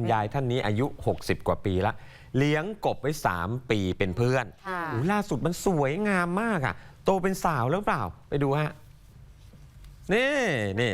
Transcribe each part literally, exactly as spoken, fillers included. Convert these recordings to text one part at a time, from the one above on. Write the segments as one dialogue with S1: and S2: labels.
S1: ยายท่านนี้อายุหกสิบกว่าปีละเลี้ยงกบไว้สามปีเป็นเพื่อนล่าสุดมันสวยงามมากอ่ะโตเป็นสาวแล้วเปล่าไปดูฮะนี่นี่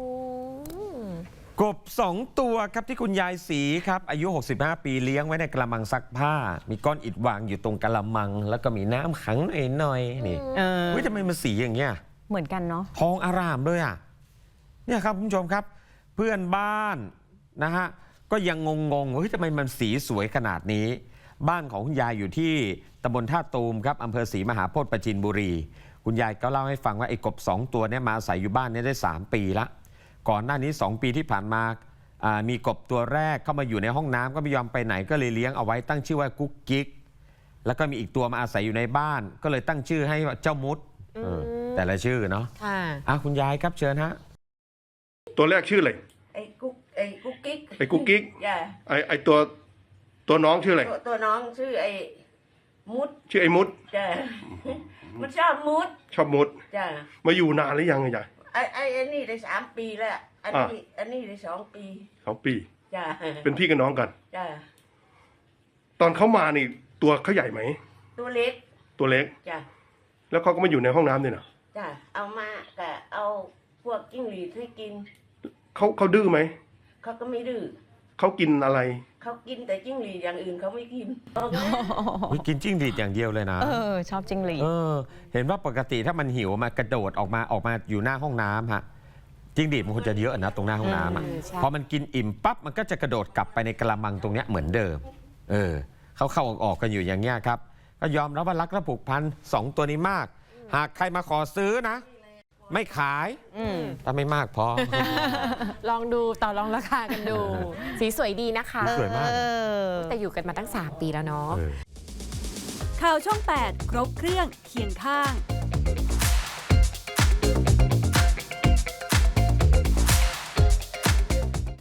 S1: กบสองตัวครับที่คุณยายศรีครับอายุหกสิบห้าปีเลี้ยงไว้ในกระมังซักผ้ามีก้อนอิฐวางอยู่ตรงกระมังแล้วก็มีน้ำขังหน่อยๆนี่เฮ้ยทำไมมันสีอย่างเงี้ย
S2: เหมือนกันเนาะ
S1: ทองอร่ามเลยอ่ะเนี่ยครับคุณผู้ชมครับเพื่อนบ้านนะฮะก็ยังงงๆเฮ้ยทำไมมันสีสวยขนาดนี้บ้านของคุณยายอยู่ที่ตำบลท่าตูมครับอำเภอศรีมหาโพธิ์ปราจีนบุรีคุณยายก็เล่าให้ฟังว่าไอ้กบสองตัวเนี่ยมาอาศัยอยู่บ้านนี้ได้สามปีละก่อนหน้านี้สองปีที่ผ่านมามีกบตัวแรกเข้ามาอยู่ในห้องน้ำก็ไม่ยอมไปไหนก็เลยเลี้ยงเอาไว้ตั้งชื่อว่ากุ๊กกิ๊กแล้วก็มีอีกตัวมาอาศัยอยู่ในบ้านก็เลยตั้งชื่อให้เจ้ามุดแต่ละชื่อเนาะค่ะอ่ะคุณยายครับเชิญฮะ
S3: ตัวแรกชื่ออะไร
S4: ไอ้กุ๊กไอ้กุ๊กกิ๊ก
S3: ไอ้กุ๊กกิ๊ก
S4: จ้ะ
S3: ไอ้ไอ้ตัวตัวน้องชื่ออะไร
S4: ตัวน้องชื่อไอ้มุด
S3: ชื่อไอ้มุด
S4: จ้ะมันชอบมุด
S3: ชอบมุด
S4: จ้ะ
S3: มาอยู่นานหรือยังไงยาย
S4: ไอ้ไอ้ไอ้นี่ได้สามปีแล้วอันนี้อันนี้ได้สองปี
S3: สองปี
S4: จ้ะ
S3: เป็นพี่กับน้องกัน
S4: จ้ะ
S3: ตอนเขามานี่ตัวเขาใหญ่ไหม
S4: ตัวเล็ก
S3: ตัวเล็ก
S4: จ้ะ
S3: แล้วเขาก็มาอยู่ในห้องน้ำเนี่ยนะ
S4: จ้ะเอามาก็เอาพวกจิ้งหรีดให้กิน
S3: เขาเขาดื้อไหม
S4: เขาก็ไม่ดื้อ
S3: เขากินอะไร
S4: เขากินแต่จิ้งหรีดอย่างอื่นเขาไม่กิน
S1: กินจิ้งหรีดอย่างเดียวเลยนะ
S2: เออชอบจิ้งหรีด
S1: เออเห็นว่าปกติถ้ามันหิวมากระโดดออกมาออกมาอยู่หน้าห้องน้ำฮะจิ้งหรีดมันควรจะเยอะนะตรงหน้าห้องน้ำอ่ะพอมันกินอิ่มปั๊บมันก็จะกระโดดกลับไปในกระมังตรงเนี้ยเหมือนเดิมเออเขาเข้าออกกันอยู่อย่างเงี้ยครับก็ยอมรับว่ารักและผูกพันสองตัวนี้มากหากใครมาขอซื้อนะไม่ขายถ้าไม่มากพอ
S2: ลองดูต่อรองราคากันดูสีสวยดีนะคะ
S1: สวยมาก
S2: แต่อยู่กันมาตั้งสามปีแล้วเนาะ
S5: ข่าวช่องแปดครบเครื่องเคียงข้าง